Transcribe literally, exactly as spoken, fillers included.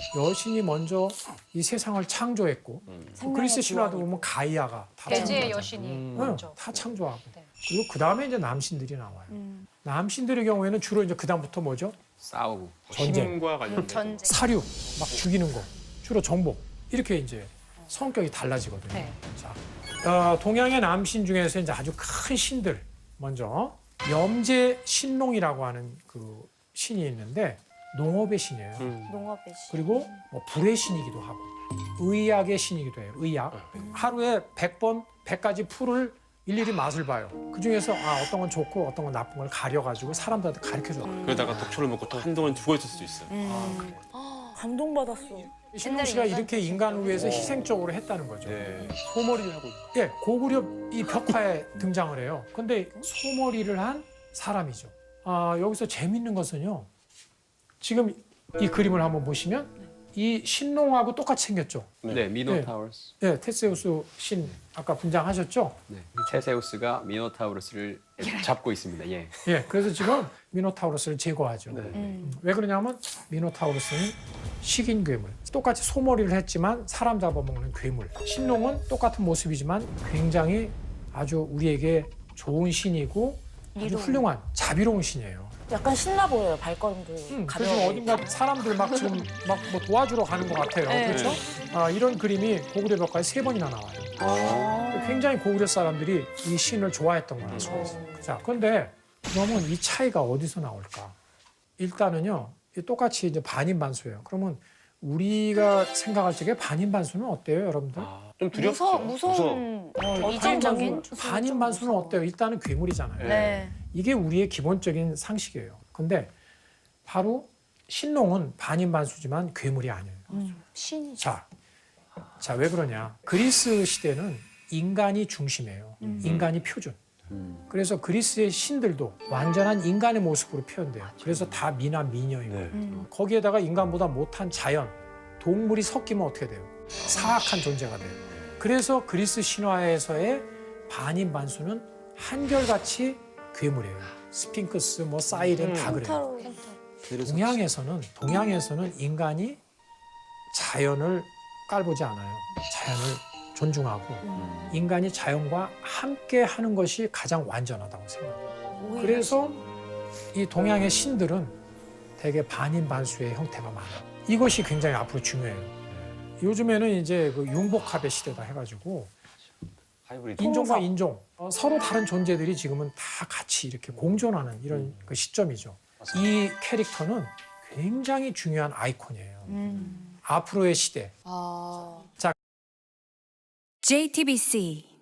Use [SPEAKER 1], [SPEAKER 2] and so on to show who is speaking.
[SPEAKER 1] 여신이 먼저 이 세상을 창조했고 또 그리스 신화도 보면 가이아가 다
[SPEAKER 2] 대지의
[SPEAKER 1] 창조하잖아요.
[SPEAKER 2] 여신이
[SPEAKER 1] 응,
[SPEAKER 2] 먼저.
[SPEAKER 1] 다 창조하고.
[SPEAKER 2] 네.
[SPEAKER 1] 그리고 그 다음에 이제 남신들이 나와요.
[SPEAKER 3] 음.
[SPEAKER 1] 남신들의 경우에는 주로 이제 그 다음부터 뭐죠?
[SPEAKER 4] 싸우고.
[SPEAKER 1] 전쟁,
[SPEAKER 5] 힘과 관련된
[SPEAKER 2] 전쟁.
[SPEAKER 1] 사륙, 막 죽이는 거, 주로 정복 이렇게 이제 성격이 달라지거든요.
[SPEAKER 2] 네.
[SPEAKER 1] 자, 어, 동양의 남신 중에서 이제 아주 큰 신들 먼저 염제 신농이라고 하는 그 신이 있는데 농업의 신이에요.
[SPEAKER 5] 음.
[SPEAKER 3] 농업의 신.
[SPEAKER 1] 그리고 뭐 불의 신이기도 하고 의학의 신이기도 해요. 의학. 하루에 백 번, 백 가지 풀을 일일이 맛을 봐요. 그중에서 아, 어떤 건 좋고 어떤 건 나쁜 걸 가려가지고 사람들한테 가르쳐줘요.
[SPEAKER 5] 그러다가 독초를 먹고 또 한동안 죽어 있을 수도 있어요.
[SPEAKER 3] 음. 감동받았어.
[SPEAKER 1] 신농 씨가 이렇게 인간을 위해서 희생적으로 했다는 거죠.
[SPEAKER 5] 네. 소머리를 하고 있고.
[SPEAKER 1] 예, 고구려 이 벽화에 등장을 해요. 근데 소머리를 한 사람이죠. 아, 여기서 재밌는 것은요. 지금 이 그림을 한번 보시면 이 신농하고 똑같이 생겼죠.
[SPEAKER 4] 네, 미노타우루스.
[SPEAKER 1] 예, 테세우스 신 아까 분장하셨죠?
[SPEAKER 4] 네. 테세우스가 미노타우루스를 잡고 있습니다. 예.
[SPEAKER 1] 예, 그래서 지금 미노타우루스를 제거하죠.
[SPEAKER 5] 네.
[SPEAKER 1] 음, 왜 그러냐면 미노타우루스는 식인 괴물. 똑같이 소머리를 했지만 사람 잡아먹는 괴물. 신농은 똑같은 모습이지만 굉장히 아주 우리에게 좋은 신이고 아주
[SPEAKER 3] 이로운.
[SPEAKER 1] 훌륭한 자비로운 신이에요.
[SPEAKER 3] 약간 신나 보여요, 발걸음도.
[SPEAKER 1] 음, 그래서
[SPEAKER 3] 가벼워
[SPEAKER 1] 지금
[SPEAKER 3] 보이고.
[SPEAKER 1] 어딘가 사람들 막 지금 막 뭐 도와주러 가는 것 같아요.
[SPEAKER 3] 네.
[SPEAKER 1] 그렇죠? 아, 이런 그림이 고구려 벽화에 세 번이나 나와요.
[SPEAKER 3] 아.
[SPEAKER 1] 굉장히 고구려 사람들이 이 신을 좋아했던 걸 알 수가 있어요. 자, 그런데 그러면 이 차이가 어디서 나올까? 일단은요, 이 똑같이 이제 반인반수예요. 그러면 우리가 생각할 적에 반인반수는 어때요, 여러분들?
[SPEAKER 5] 아, 좀 두렵죠.
[SPEAKER 3] 무서, 무서운.
[SPEAKER 1] 어,
[SPEAKER 3] 이전적인.
[SPEAKER 1] 반인반수, 반인반수는 어때요? 일단은 괴물이잖아요.
[SPEAKER 3] 네.
[SPEAKER 1] 이게 우리의 기본적인 상식이에요. 근데 바로 신농은 반인반수지만 괴물이 아니에요.
[SPEAKER 3] 음, 신이죠.
[SPEAKER 1] 자, 자, 왜 그러냐? 그리스 시대는 인간이 중심이에요.
[SPEAKER 3] 음.
[SPEAKER 1] 인간이 표준.
[SPEAKER 4] 음.
[SPEAKER 1] 그래서 그리스의 신들도 완전한 인간의 모습으로 표현돼요. 그래서 다 미나 미녀이고
[SPEAKER 5] 네.
[SPEAKER 3] 음.
[SPEAKER 1] 거기에다가 인간보다 못한 자연, 동물이 섞이면 어떻게 돼요? 사악한 존재가 돼요. 그래서 그리스 신화에서의 반인반수는 한결같이 괴물이에요. 스핑크스, 뭐 사이렌 다 그래요.
[SPEAKER 3] 펜타로.
[SPEAKER 1] 동양에서는 동양에서는 인간이 자연을 깔보지 않아요. 자연을 존중하고
[SPEAKER 3] 음.
[SPEAKER 1] 인간이 자연과 함께 하는 것이 가장 완전하다고 생각해요.
[SPEAKER 3] 오히려
[SPEAKER 1] 그래서 이 동양의 신들은 대개 반인반수의 형태가 많아요. 이것이 굉장히 앞으로 중요해요. 요즘에는 이제 그 융복합의 시대다 해가지고
[SPEAKER 5] 하이브리드.
[SPEAKER 1] 인종과 인종 어, 서로 다른 존재들이 지금은 다 같이 이렇게 공존하는 이런 그 시점이죠. 이 캐릭터는 굉장히 중요한 아이콘이에요.
[SPEAKER 3] 음.
[SPEAKER 1] 앞으로의 시대.
[SPEAKER 3] 아.
[SPEAKER 6] 제이티비씨